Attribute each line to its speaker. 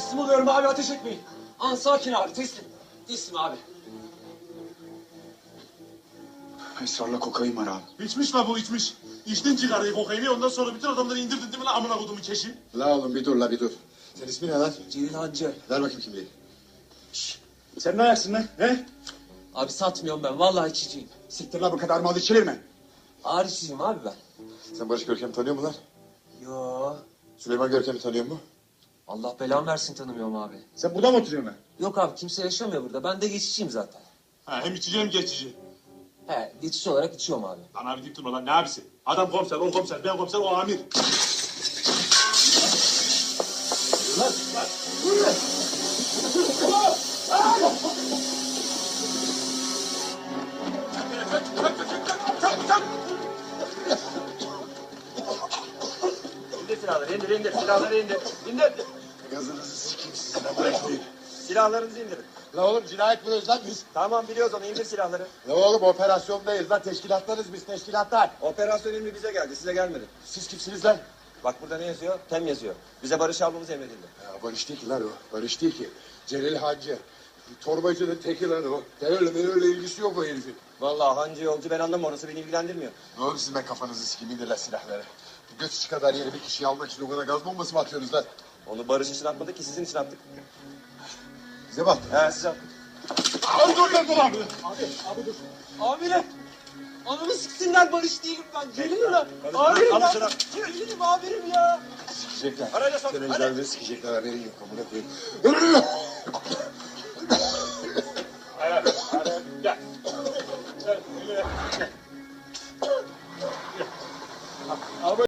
Speaker 1: Teslim oluyorum abi, ateş etmeyin. Sakin abi, teslim. Teslim abi.
Speaker 2: Esrarla kokain var abi.
Speaker 3: İçmiş la bu içmiş. İçtin cigarayı kokaini ondan sonra bütün adamları indirdin değil mi lan amına kodumu keşin?
Speaker 2: La oğlum bir dur la bir dur. Sen ismin ne lan?
Speaker 1: Celil Hancı.
Speaker 2: Ver bakayım kimliği.
Speaker 3: Sen ne ayaksın lan he?
Speaker 1: Abi satmıyorum ben, vallahi içiciyim.
Speaker 2: Siktir la bu kadar mal içilir mi?
Speaker 1: Ağır içiciyim abi ben.
Speaker 2: Sen Barış Görkem'i tanıyor musun lan?
Speaker 1: Yo.
Speaker 2: Süleyman Görkem'i tanıyor mu?
Speaker 1: Allah belamı versin, tanımıyorum abi.
Speaker 2: Sen burada mı oturuyorsun lan?
Speaker 1: Yok abi, kimse yaşamıyor burada. Ben de geçiciyim zaten.
Speaker 3: Ha, hem içici hem geçici.
Speaker 1: He, geçici olarak içiyorum abi.
Speaker 3: Lan abi deyip durma lan ne abisi? Adam komiser, o komiser, ben komiser, o amir. Lan lan.
Speaker 4: İndir silahları, indir. Silahları indir. İndir.
Speaker 2: Gazınızı sikeyim sizin lan bırakmayın.
Speaker 4: Silahlarınızı indirin.
Speaker 2: La oğlum cinayet buluyoruz lan biz.
Speaker 4: Tamam biliyoruz onu, indir silahları.
Speaker 2: La oğlum operasyondayız lan teşkilatlarız biz teşkilatlar.
Speaker 4: Operasyon emri bize geldi, size gelmedi.
Speaker 2: Siz kimsiniz lan?
Speaker 4: Bak burada ne yazıyor? Tem yazıyor. Bize barış almamız emredildi.
Speaker 2: Ya Barış değil ki lan o. Barış değil ki. Celil Hancı. Torbacının teki lan o. Terörle ilgisi yok o herifin.
Speaker 4: Vallahi hancı yolcu ben anlamam, orası beni ilgilendirmiyor.
Speaker 2: Ne oğlum siz ben kafanızı sikeyim indir lan silahları. Bu göz içi kadar yeri bir kişiyi almak için o kadar gaz bombası mı atıyorsunuz lan?
Speaker 4: Onu barış için atmadık ki, sizin için attık.
Speaker 2: Bize bak.
Speaker 4: He siz attık.
Speaker 3: Dur abi.
Speaker 1: Amirim! Anamı siksinler, Barış değilim ben. Celil'im lan. Amirim
Speaker 4: Al
Speaker 1: lan.
Speaker 4: şunu.
Speaker 1: Celil'im amirim ya.
Speaker 2: Sikecekler.
Speaker 4: Arayla sok, hadi.
Speaker 2: Teröristlerle sikecekler haberin yok amına koyayım.